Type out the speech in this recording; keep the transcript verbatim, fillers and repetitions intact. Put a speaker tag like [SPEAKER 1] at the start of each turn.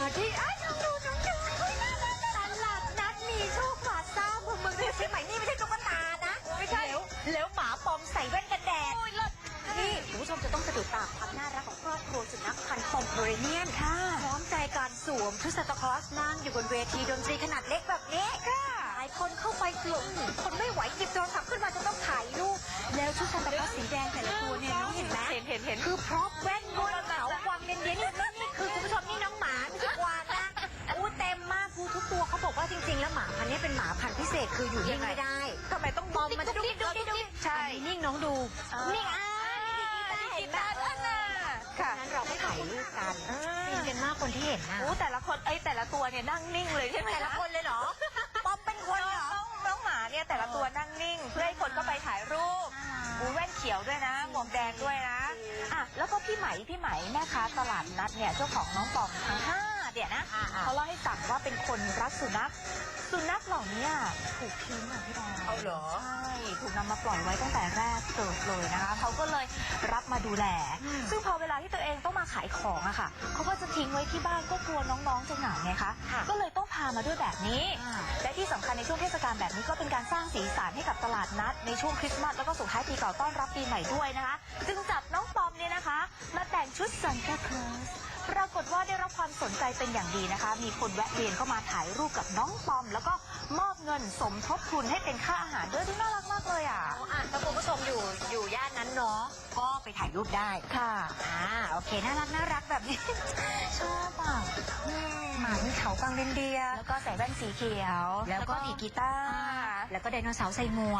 [SPEAKER 1] ที่อ้าวน้องดูน้องดูเฮ้ยน่ารักตลาดนัดมีโชคพลาซ่าเมืองเมืองเชียงใหม่นี่ไม่ใช่ตุ๊กตานะไม่ใช่แล้วแล้วหมาปลอมใส่แว่นกันแดดนี่คุณผู้ชมจะต้องสะดุดตาความน่ารักของครอบครัวสุนัขพันธุ์ปอมเปอเรเนียนค่ะพร้อมใจการสวมชุดซานตาคลอสนั่งอยู่บนเวทีดนตรีขนาดเล็กแบบนี้ค่ะหลายคนเข้าไปกลุ่มคนไม่ไหวหยิบโทรศัพท์ขึ้นมาจะต้องถ่ายรูปแล้วชุดซานตาคลอสสีแดงแต่ละตัวเนี่ยน้องเห็นไหมเห็นเห็นเห็นคือพร็อพแว่นบนเขากวางเนียนๆนี่นี่คือคุณผู้ชมนี่น้องหมาไม่ใช่กวางนะอู้เต็มมากคือทุกตัวเขาบอกว่าจริงๆแล้วหมาพันธุ์นี้เป็นหมาพันธุ์พิเศษคืออยู่นิ่งไม่ได้ทำไมต้องบอมมันจะดุ๊กดิ๊กดุ๊กดิ๊กใช่นิ่งน้องดูนิ่งอ่ะกีตาร์อันน่ะค่ะนั้นเราไม่ถ่ายรูปกันฟินกันมากคนที่เห็นนะโอ้แต่ละคนไอ้แต่ละตัวเนี่ยนั่งนิ่งเลยใช่ไหมแต่ละคนเลยเหรอปอมเป็นคนเหรอน้องหมาเนี่ยแต่ละตัวนั่งนิ่งเพื่อให้คนก็ไปถ่ายรูปอูแว่นเขียวด้วยนะหมวกแดงด้วยนะอ่ะแล้วก็พี่ไหมพี่ไหมแม่ค้าตลาดนัดเนี่ยเจ้าของน้องปอมทั้งห้าเนี่ยนะเขาเล่าให้ฟังว่าเป็นคนรักสุนัขสุนัขเหล่านี้ถูกทิ้งอ่ะพี่ดาวเอาเหรอใช่ถูกนำมาปล่อยไว้ตั้งแต่แรกเกิดเลยนะคะเขาก็เลยรับมาดูแลซึ่งพอเวลาที่ตัวเองต้องมาขายของอะค่ะเขาก็จะทิ้งไว้ที่บ้านก็กลัวน้องๆจะเหงาไงคะก็เลยต้องพามาด้วยแบบนี้และที่สำคัญในช่วงเทศกาลแบบนี้ก็เป็นการสร้างสีสันให้กับตลาดนัดในช่วงคริสต์มาสแล้วก็ส่งท้ายปีเก่าต้อนรับปีใหม่ด้วยนะคะจึงจับน้องปอมเนี่ยนะคะมาแต่งชุดซันตาคลอสปรากฏว่าได้รับความสนใจเป็นอย่างดีนะคะมีคนแวะเวียนเข้ามาถ่ายรูปกับน้องปอมแล้วก็มอบเงินสมทบทุนให้เป็นค่าอาหารด้วยที่น่ารักมากเลยอ่ะอ่ะถ้าคุณผู้ชมอยู่อยู่ย่านนั้นเนาะก็ไปถ่ายรูปได้ค่ะอ่าโอเคน่ารักน่ารักแบบนี้ ชอบอ่ะหมามีเขากวางเรนเดียร์แล้วก็ใส่แว่นสีเขียวแล้วก็ดีดกีตาร์แล้วก็ไดโนเสาร์ใส่หมวก